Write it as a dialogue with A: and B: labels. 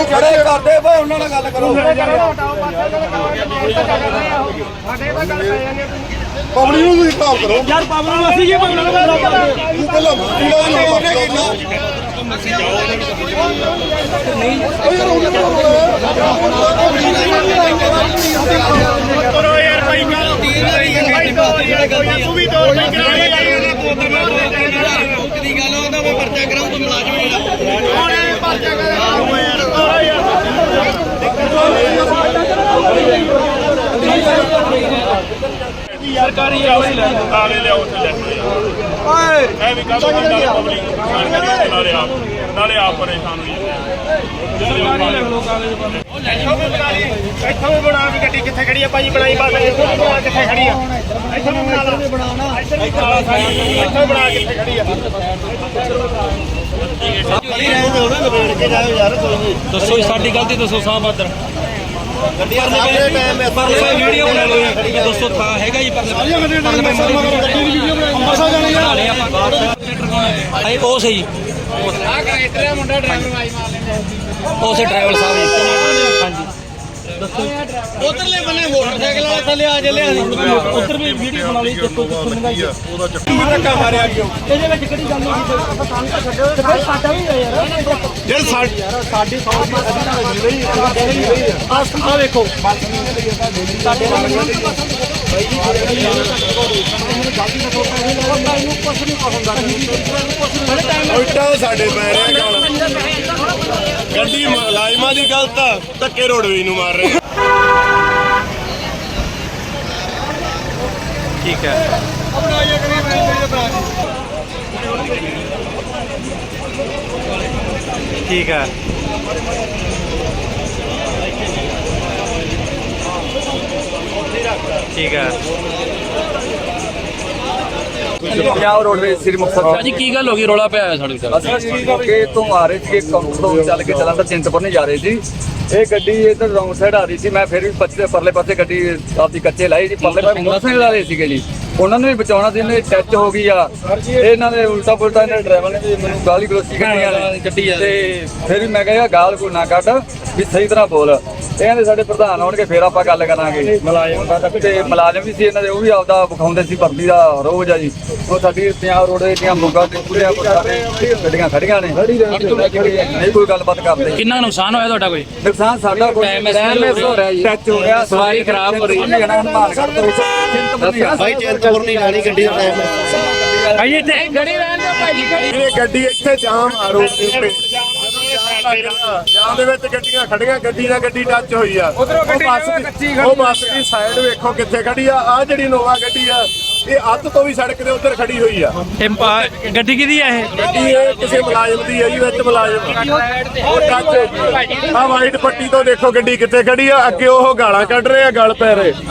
A: ਜਿਹੜੇ ਕਰਦੇ ਭਾਈ ਉਹਨਾਂ ਨਾਲ ਗੱਲ ਕਰੋ।
B: ਪਬਲਿਕ ਨੂੰ ਤੁਸੀਂ ਹਿਸਾਬ ਕਰੋ
C: ਯਾਰ ਪਾਵਰ ਨੂੰ ਅਸੀਂ ਕੀ ਪਬਲਿਕ ਨੂੰ ਬਦਲਾ ਕਰਦੇ
B: ਤੂੰ ਪਹਿਲਾਂ
C: ਕਰੋ ਯਾਰ ਭਾਈ ਤੂੰ ਵੀ ਤੋੜ ਨਹੀਂ ਕਰਾਂਗੇ
A: ਦੀ ਗੱਲ ਉਹਦਾ ਮੈਂ ਪਰਚਾ ਕਰਾਉਂ ਤੂੰ ਮੁਲਾਜ਼ਮ
C: ਹੁਣ ਪਰਚਾ ਕਰੋ ਯਾਰ ਸਰਕਾਰੀ
D: ਤਾਲੇ ਲਿਆਓ ਉੱਥੇ ਲੈ
A: ਓਏ
D: ਇਹ ਵੀ ਕੰਮ ਨਾਲੇ ਪਬਲਿਕ ਨੂੰ ਪਰੇਸ਼ਾਨ ਕਰੀ ਨਾਲੇ ਆਪ ਪਰੇਸ਼ਾਨ ਹੋਈ
C: ਇੱਥੋਂ ਵੀ ਬਣਾ ਵੀ ਗੱਡੀ ਕਿੱਥੇ ਖੜੀ ਆ ਭਾਈ ਬਣਾਈ ਬਸ ਇੱਥੋਂ ਵੀ ਬਣਾ ਕਿੱਥੇ ਖੜੀ ਆ ਇੱਥੋਂ ਵੀ ਬਣਾ ਲਾ ਇੱਥੋਂ ਬਣਾ ਕਿੱਥੇ ਖੜੀ ਆ
E: ਦੱਸੋ ਸਾਡੀ ਗਲਤੀ ਦੱਸੋ ਸਾਹਬ ਆਦਰ
A: ਗੱਡੀਆਂ ਦੇ ਟਾਈਮ
E: ਪਰਲੇ ਵੀਡੀਓ ਬਣਾ ਲਓ ਦੱਸੋ ਥਾਂ ਹੈਗਾ ਜੀ ਪਰਲੇ ਆਈ ਉਹ ਸਹੀ
C: ਆ ਕਰਾਇਟਰ ਮੁੰਡਾ ਡਰਾਈਵਰ ਵਾਈ ਮਾਰ ਲੈਂਦਾ
E: ਉਸੇ ਡਰਾਈਵਰ ਸਾਹਿਬ ਜੀ ਹਾਂਜੀ
A: ਉਧਰਲੇ ਬੰਨੇ ਮੋਟਰਸਾਈਕਲ ਵਾਲਾ ਥੱਲੇ ਆ ਚੱਲਿਆ ਸੀ
E: ਉੱਧਰ ਵੀ ਵੀਡੀਓ ਬਣਾ ਲਈ ਦੇਖੋ ਕਿੱਥੋਂ ਲੰਘਾਈ
A: ਧੱਕਾ ਮਾਰਿਆ ਗਿਆ
E: ਇਹਦੇ ਵਿੱਚ ਕਿਹੜੀ ਗੱਲ ਹੋਈ ਆਪਾਂ ਸਾਨੂੰ ਤਾਂ ਛੱਡੋ ਤੇ ਫਿਰ ਸਾਡਾ ਵੀ ਹੈ ਯਾਰ
C: ਸਾਡੀ ਸੌ ਦੀ ਰਹੀ
E: ਆ ਵੇਖੋ ਸਾਡੇ ਨਾਲ
B: ਉਲਟਾ ਸਾਡੇ ਪੈ ਰਿਹਾ ਗਾਲ ਗੱਡੀ ਮੁਲਾਜ਼ਮਾਂ ਦੀ ਗਲਤ ਆ ਧੱਕੇ ਰੋਡਵੇ ਨੂੰ ਮਾਰ ਰਹੇ
E: ਠੀਕ ਹੈ ठीक है ठीक है
F: ਪੰਜਾਬ ਰੋਡਵੇਜ਼ ਸ੍ਰੀ ਮੁਕਤਸਰ
E: ਭਾਜੀ ਕੀ ਗੱਲ ਹੋ ਗਈ ਰੋਲਾ ਪਿਆ ਹੋਇਆ ਸਾਡੇ ਨਾਲ
F: ਅਸੀਂ ਮੌਕੇ ਤੋਂ ਆ ਰਹੇ ਸੀ ਕਾਊਂਟਰ ਤੋਂ ਚੱਲ ਕੇ ਜਲੰਧਰ ਚਿੰਤਪੁਰ ਨਹੀਂ ਜਾ ਰਹੇ ਸੀ ਇਹ ਗੱਡੀ ਇਧਰ ਰੌਂਗ ਸਾਈਡ ਆ ਰਹੀ ਸੀ ਮੈਂ ਫਿਰ ਵੀ ਪਰਲੇ ਪਾਸੇ ਗੱਡੀ ਆਪਦੀ ਕੱਚੇ ਲਾਈ ਜੀ ਪਰਲੇ ਪਾਸੇ ਮੋਟਰਸਾਈਕਲ ਆ ਰਹੇ ਸੀਗੇ ਜੀ ਉਹਨਾਂ ਨੂੰ ਵੀ ਬਚਾਉਣਾ ਸੀ ਇਹਨੇ ਟੱਚ ਹੋ ਗਈ ਆ ਇਹਨਾਂ ਦੇ ਉਲਟਾ ਪੁਲਟਾ ਇਹਨਾਂ ਡਰਾਈਵਰ ਨੇ ਵੀ ਮੈਨੂੰ ਗਾਲੀ ਗਲੋਚੀ ਕਰਨੀ ਆ ਤੇ ਫਿਰ ਵੀ ਮੈਂ ਕਿਹਾ ਗਾਲ ਕੋਈ ਨਾ ਕੱਢ ਵੀ ਸਹੀ ਤਰ੍ਹਾਂ ਬੋਲ ਇਹ ਕਹਿੰਦੇ ਸਾਡੇ ਪ੍ਰਧਾਨ ਆਉਣਗੇ ਫਿਰ ਆਪਾਂ ਗੱਲ ਕਰਾਂਗੇ ਮੁਲਾਜ਼ਮ ਤੇ ਮੁਲਾਜ਼ਮ ਵੀ ਸੀ ਇਹਨਾਂ ਦੇ ਉਹ ਵੀ ਆਪਦਾ ਵਿਖਾਉਂਦੇ ਸੀ ਭਰਤੀ ਦਾ ਰੋਜ਼ ਆ ਜੀ ਉਹ ਸਾਡੀ ਪੰਜਾਬ ਰੋਡ ਦੀਆਂ ਮੁੱਗਾ ਤੇ ਪੂਰੇ ਗੱਡੀਆਂ ਖੜੀਆਂ ਨੇ ਨਹੀਂ ਕੋਈ ਗੱਲਬਾਤ ਕਰਦੇ
E: ਕਿੰਨਾ ਨੁਕਸਾਨ ਹੋਇਆ ਤੁਹਾਡਾ ਕੋਈ
F: ਨੁਕਸਾਨ ਸਾਡਾ ਕੋਈ ਹੋ ਰਿਹਾ ਜੀ ਟੱਚ ਹੋ ਗਿਆ
E: ਸਵਾਰੀ ਖਰਾਬ ਹੋ ਰਹੀ ਹੈ
F: ਹਨੂਮਾਨਗੜ੍ਹ ਤੋਂ
A: ਭਾਈ ਚਿੰਤਪੁਰ ਨਹੀਂ ਜਾਣੀ ਗੱਡੀ ਦਾ ਟਾਈਮ
E: ਭਾਈ ਇੱਥੇ ਗੜੀ ਰਹਿਣ ਦਿਓ ਭਾਈ
B: ਇਹ ਗੱਡੀ ਇੱਥੇ ਜਾਮ ਆ ਰੋਡ ਦੇ ਉੱਤੇ ਜਾਮ ਦੇ ਵਿੱਚ ਗੱਡੀਆਂ ਖੜੀਆਂ ਗੱਡੀ ਨਾਲ ਗੱਡੀ ਟੱਚ ਹੋਈ ਆ ਉਹ ਬੱਸ ਦੀ ਸਾਈਡ ਵੇਖੋ ਕਿੱਥੇ ਖੜੀ ਆ ਆ ਜਿਹੜੀ ਨੋਵਾ ਗੱਡੀ ਆ ਇਹ ਅੱਧ ਤੋਂ ਵੀ ਸੜਕ ਦੇ ਉੱਧਰ ਖੜੀ ਹੋਈ ਆ
E: ਗੱਡੀ ਕਿਹਦੀ ਆ ਇਹ
B: ਗੱਡੀ ਇਹ ਕਿਸੇ ਮੁਲਾਜ਼ਮ ਦੀ ਹੈ ਜੀ ਵਿੱਚ ਮੁਲਾਜ਼ਮ ਉਹ ਟੱਚ ਆ ਵਾਈਟ ਪੱਟੀ ਤੋਂ ਦੇਖੋ ਗੱਡੀ ਕਿੱਥੇ ਖੜੀ ਆ ਅੱਗੇ ਉਹ ਗਾਲਾਂ ਕੱਢ ਰਹੇ ਆ ਗਲ ਪੈ ਰਹੇ